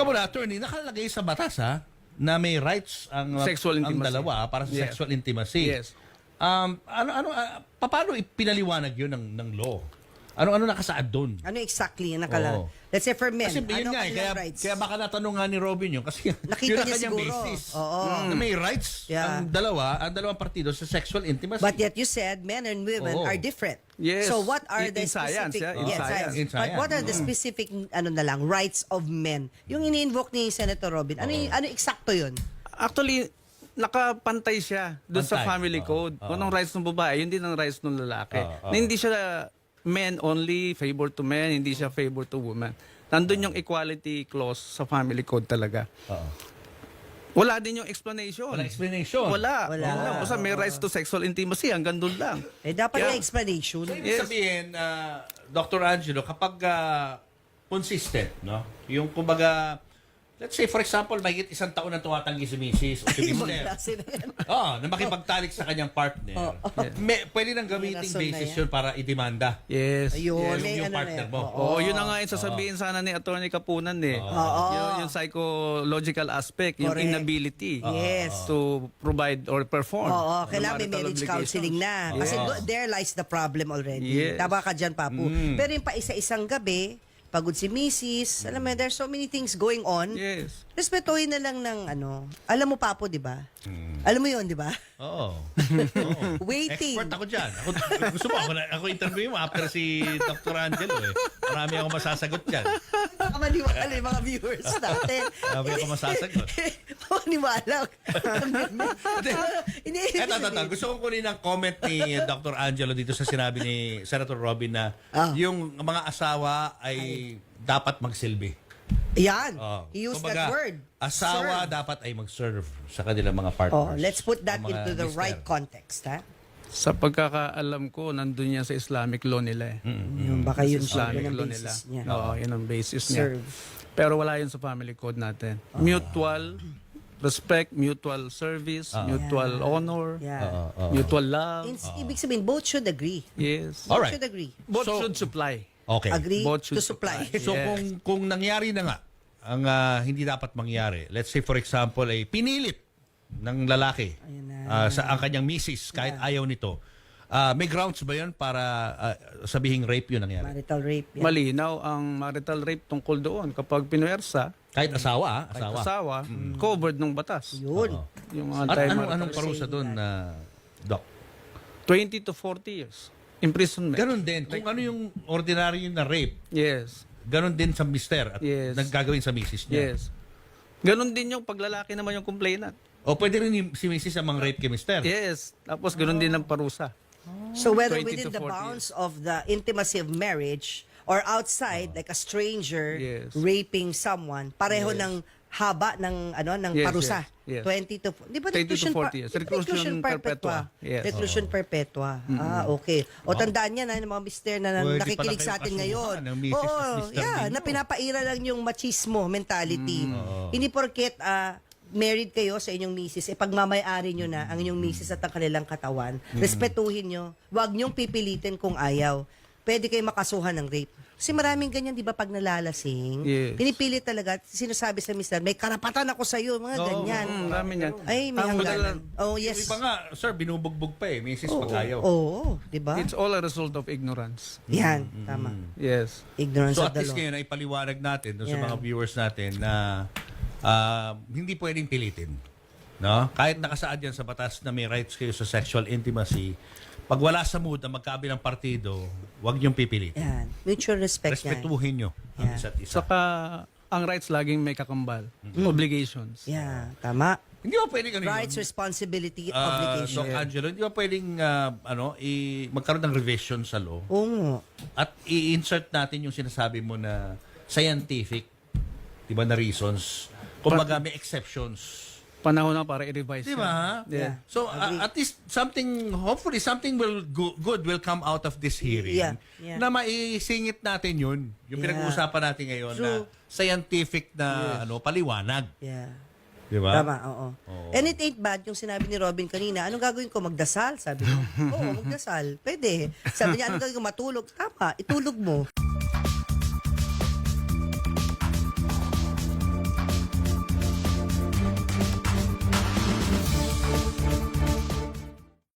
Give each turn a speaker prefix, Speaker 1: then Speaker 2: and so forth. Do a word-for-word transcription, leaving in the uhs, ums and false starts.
Speaker 1: Teka muna, attorney, nakalagay sa batas ha, na may rights ang,
Speaker 2: Sexual
Speaker 1: ang
Speaker 2: intimacy.
Speaker 1: dalawa para sa
Speaker 2: Yes.
Speaker 1: sexual intimacy.
Speaker 2: Yes.
Speaker 1: Um, ano, ano, uh, paano ipinaliwanag yun ng, ng law? Ano-ano nakasaad doon?
Speaker 3: Ano exactly ang nakala?
Speaker 1: Oo.
Speaker 3: Let's say for men,
Speaker 1: Kasi yun
Speaker 3: ano
Speaker 1: nga, eh,
Speaker 3: kanilang
Speaker 1: kaya,
Speaker 3: rights?
Speaker 1: kaya baka natanong nga ni Robin yun. Kasi
Speaker 3: Nakita
Speaker 1: yun ang
Speaker 3: niya
Speaker 1: kanyang
Speaker 3: siguro.
Speaker 1: basis.
Speaker 3: Oo.
Speaker 1: Na may rights
Speaker 3: Yeah.
Speaker 1: ang dalawa, ang dalawang partido sa sexual intimacy.
Speaker 3: But yet you said men and women
Speaker 1: Oo.
Speaker 3: are different.
Speaker 2: Yes.
Speaker 3: So what are
Speaker 2: In-
Speaker 3: the
Speaker 2: in science,
Speaker 3: specific
Speaker 2: yeah, in
Speaker 3: yes,
Speaker 2: science.
Speaker 1: In
Speaker 3: But
Speaker 1: science.
Speaker 3: what are the specific ano na lang rights of men? Yung ini-invoke ni Senator Robin. Ano yung- ano eksakto 'yun?
Speaker 2: Actually, nakapantay siya doon sa
Speaker 1: Pantay.
Speaker 2: family
Speaker 1: Oo.
Speaker 2: code.
Speaker 1: Oo.
Speaker 2: Kung anong rights ng babae, yun din ang rights ng lalaki.
Speaker 1: Oo.
Speaker 2: Na hindi siya men only, favor to men, hindi siya favor to women. Nandun yung equality clause sa family code talaga.
Speaker 1: Oo.
Speaker 2: Wala din yung explanation.
Speaker 1: Walang explanation.
Speaker 2: Wala.
Speaker 3: Wala.
Speaker 2: Wala. Basta may rights to sexual intimacy, hanggang doon lang.
Speaker 3: Eh dapat
Speaker 2: Kaya-
Speaker 3: may explanation.
Speaker 1: So, ibig
Speaker 2: Yes.
Speaker 1: sabihin, uh, Doctor Angelo, kapag uh, consistent, no? Yung kumbaga, let's say for example, mahigit isang taon na tumatanggi si misis o si
Speaker 3: Ibang
Speaker 1: mister.
Speaker 3: klase na yan.
Speaker 1: Oo, na makipagtalik sa kanyang partner. May, pwede nang gamiting
Speaker 3: May rason na
Speaker 1: basis
Speaker 3: yan.
Speaker 1: yun para idemanda.
Speaker 2: Yes.
Speaker 3: Ayun,
Speaker 1: Yes,
Speaker 3: may
Speaker 1: yung
Speaker 3: ano na
Speaker 1: partner
Speaker 3: yan.
Speaker 1: mo.
Speaker 3: Oo.
Speaker 2: Oo, yun na nga yung sasabihin sana ni Attorney Kapunan eh.
Speaker 3: Oo.
Speaker 2: Yung, yung psychological aspect, yung
Speaker 3: Correct.
Speaker 2: inability
Speaker 3: Yes.
Speaker 2: to provide or perform.
Speaker 3: Oo,
Speaker 2: ng
Speaker 3: kailangan may
Speaker 2: marital
Speaker 3: marriage
Speaker 2: obligations.
Speaker 3: counseling na. Kasi
Speaker 2: Yes.
Speaker 3: do- there lies the problem already.
Speaker 2: Yes.
Speaker 3: Tama ka dyan, Papu.
Speaker 1: Mm.
Speaker 3: Pero yung pa isa-isang gabi, pagod si misis, alam mo, there's so many things going on.
Speaker 2: Yes.
Speaker 3: Respetuhin na lang ng ano. Alam mo, Papo, di ba? Alam mo yun, di ba?
Speaker 1: Oo. Oo.
Speaker 3: Waiting.
Speaker 1: Expert ako dyan. Ako, gusto mo, ako, na- ako interview mo after si Doctor Angelo eh. Marami ako masasagot dyan.
Speaker 3: Baka maniwala yung mga viewers natin.
Speaker 1: Marami ako masasagot.
Speaker 3: Oo, maniwala. Hindi,
Speaker 1: Eto, eto, eto. Gusto kong kunin ang comment ni Doctor Angelo dito sa sinabi ni Senator Robin na
Speaker 3: Ah.
Speaker 1: yung mga asawa ay dapat magsilbi.
Speaker 3: Yan.
Speaker 1: Oh.
Speaker 3: He used
Speaker 1: Kumbaga,
Speaker 3: that word.
Speaker 1: Asawa
Speaker 3: Serve.
Speaker 1: dapat ay mag-serve sa kanilang mga
Speaker 3: Oh,
Speaker 1: partners.
Speaker 3: let's put that
Speaker 1: Ang mga
Speaker 3: into the
Speaker 1: mister.
Speaker 3: right context, ha?
Speaker 2: Sa pagkakaalam ko, nandun yan sa Islamic law nila eh.
Speaker 3: Yung baka yun siya,
Speaker 2: Islamic
Speaker 3: yun ang
Speaker 2: law nila.
Speaker 3: basis niya.
Speaker 2: Oo, yun ang basis niya.
Speaker 3: Serve.
Speaker 2: Pero wala yun sa family code natin. Mutual respect, mutual service, mutual
Speaker 3: Yeah.
Speaker 2: honor,
Speaker 3: Yeah.
Speaker 1: Oo, oo.
Speaker 2: mutual love.
Speaker 3: In- Ibig sabihin, both should agree.
Speaker 2: Yes.
Speaker 3: Both
Speaker 1: Alright.
Speaker 3: should agree.
Speaker 2: Both
Speaker 1: So-
Speaker 2: should supply.
Speaker 1: Okay.
Speaker 3: Agree
Speaker 2: Both
Speaker 3: to
Speaker 2: should
Speaker 3: supply.
Speaker 2: supply.
Speaker 1: So
Speaker 2: Yes.
Speaker 1: kung kung nangyari na nga ang ah, hindi dapat mangyari. Let's say for example ay pinilit ng lalaki
Speaker 3: Ayan na.
Speaker 1: ah, sa ang kanyang misis kahit ayaw nito. Ah, may grounds ba 'yon para ah, sabihing rape 'yun nangyari?
Speaker 3: Marital rape. Yan.
Speaker 2: Malinaw ang marital rape tungkol doon. Kapag pinuwersa,
Speaker 1: Kahit asawa, ah,
Speaker 2: kahit
Speaker 1: asawa.
Speaker 2: asawa, covered ng batas.
Speaker 3: Yun.
Speaker 1: Oo.
Speaker 2: Yung
Speaker 1: At
Speaker 2: anti-marital
Speaker 1: anong anong
Speaker 2: rape.
Speaker 1: parusa doon na doc?
Speaker 2: twenty to forty years. Imprisonment.
Speaker 1: Ganun din kung ano yung ordinary na rape,
Speaker 2: Yes.
Speaker 1: ganun din sa mister at
Speaker 2: Yes.
Speaker 1: naggagawin sa misis niya.
Speaker 2: Yes. Ganon din yung paglalaki naman yung complainant.
Speaker 1: O pwede rin yung, si misis ang mang-rape kay mister.
Speaker 2: Yes. Tapos ganon din ang parusa.
Speaker 3: So whether
Speaker 2: twenty
Speaker 3: within
Speaker 2: to
Speaker 3: the
Speaker 2: forty
Speaker 3: bounds of the intimacy of marriage or outside, like a stranger
Speaker 2: Yes.
Speaker 3: raping someone, pareho ng haba ng ano ng
Speaker 2: Yes,
Speaker 3: parusa.
Speaker 2: yes, yes.
Speaker 3: twenty to di ba
Speaker 2: twenty to
Speaker 3: reclusion
Speaker 2: forty
Speaker 3: per-
Speaker 2: years.
Speaker 3: di ba
Speaker 2: Reclusion perpetua. Yes.
Speaker 3: Reclusion perpetua. Ah, okay. O tandaan niya na ng mga mister na
Speaker 1: Pwede
Speaker 3: nakikinig
Speaker 1: pala
Speaker 3: sa
Speaker 1: kayo
Speaker 3: atin
Speaker 1: kasuhan
Speaker 3: ngayon.
Speaker 1: ng misis at
Speaker 3: Oo,
Speaker 1: mister
Speaker 3: yeah,
Speaker 1: ninyo.
Speaker 3: na pinapaira lang yung machismo mentality. Hindi porket ah, married kayo sa inyong misis, eh pagmamayari nyo na ang inyong misis at ang kanilang katawan, respetuhin nyo. Huwag nyong pipilitin kung ayaw. Pwede kayo makasuhan ng rape. Kasi maraming ganyan, di ba, pag nalalasing,
Speaker 2: Yes.
Speaker 3: pinipilit talaga, at sinasabi sa mister, may karapatan ako sa'yo, mga
Speaker 1: Oo,
Speaker 3: ganyan.
Speaker 2: Mm, dami niyan.
Speaker 3: Ay, may
Speaker 2: Ang
Speaker 3: hangganan.
Speaker 2: madalang-
Speaker 3: Oh,
Speaker 1: Yung
Speaker 3: yes.
Speaker 1: iba nga, sir, binubugbog pa eh, misis
Speaker 3: Oo,
Speaker 1: pag ayaw.
Speaker 3: oo, di ba?
Speaker 2: It's all a result of ignorance.
Speaker 3: Yan, tama.
Speaker 2: Yes.
Speaker 3: Ignorance
Speaker 1: So
Speaker 3: of
Speaker 1: at
Speaker 3: the
Speaker 1: least
Speaker 3: law.
Speaker 1: ngayon ay paliwanag natin doon sa
Speaker 3: Yeah.
Speaker 1: mga viewers natin na ah, hindi pwedeng pilitin. No? Kahit nakasaad yan sa batas na may rights kayo sa sexual intimacy, pag wala sa mood na magkabilang partido, huwag niyong pipilitin.
Speaker 3: Yan. Mutual respect yan.
Speaker 1: Respetuhin niyo ang
Speaker 3: Yeah.
Speaker 1: isa't isa.
Speaker 2: Saka, ang rights laging may kakambal. Obligations.
Speaker 3: Yeah, tama.
Speaker 1: Hindi ba pwedeng ano
Speaker 3: Rights,
Speaker 1: yun?
Speaker 3: responsibility,
Speaker 1: Ah,
Speaker 3: obligation.
Speaker 1: Doc Angelo, hindi ba pwedeng ah, ano, i- magkaroon ng revision sa law
Speaker 3: Oo nga.
Speaker 1: at i-insert natin yung sinasabi mo na scientific, di ba, na reasons. Kumbaga may exceptions.
Speaker 2: Panahon na para i-revise.
Speaker 1: Di
Speaker 2: yan.
Speaker 1: ba?
Speaker 2: Yeah.
Speaker 1: So
Speaker 3: Agree.
Speaker 1: uh, at least something, hopefully something will go, good will come out of this hearing.
Speaker 3: Yeah, yeah.
Speaker 1: Na maisingit natin yun. Yung
Speaker 3: Yeah.
Speaker 1: pinag-uusapan natin ngayon na
Speaker 3: True.
Speaker 1: scientific na ano paliwanag.
Speaker 3: Yeah.
Speaker 1: Di ba?
Speaker 3: Tama, oo. And it ain't bad yung sinabi ni Robin kanina. Anong gagawin ko? Magdasal? Sabi ko. Oo, magdasal. Pwede. Sabi niya, anong gagawin ko? Matulog? Tama, itulog mo.